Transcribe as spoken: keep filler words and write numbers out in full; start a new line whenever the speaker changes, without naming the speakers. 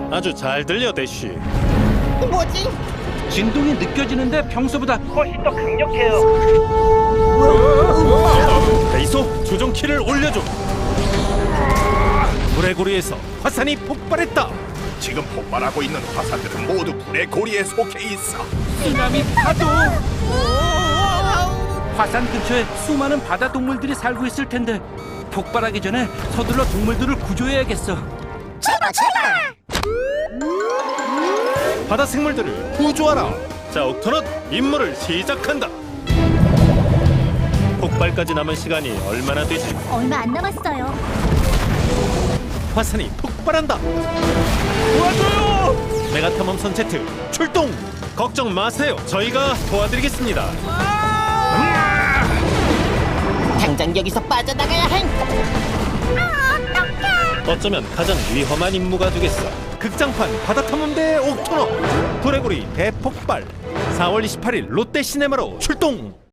아주 잘 들려, 대쉬.
뭐지?
진동이 느껴지는데 평소보다 훨씬 더 강력해요.
베이소, 조종키를 올려줘. 불의 고리에서 화산이 폭발했다.
지금 폭발하고 있는 화산들은 모두 불의 고리에 속해 있어.
쓰나미 파도. 화산 근처에 수많은 바다 동물들이 살고 있을 텐데 폭발하기 전에 서둘러 동물들을 구조해야겠어.
제발 제발.
바다 생물들을 구조하라. 자, 옥토넛 임무를 시작한다. 폭발까지 남은 시간이 얼마나 되지?
얼마 안 남았어요.
화산이 폭발한다. 도와줘요! 메가탐험선 제트 출동! 걱정 마세요. 저희가 도와드리겠습니다.
당장 여기서 빠져나가야 해.
어쩌면 가장 위험한 임무가 되겠어. 극장판 바다탐험대 옥토너 불의 고리 대폭발 사월 이십팔일 롯데시네마로 출동!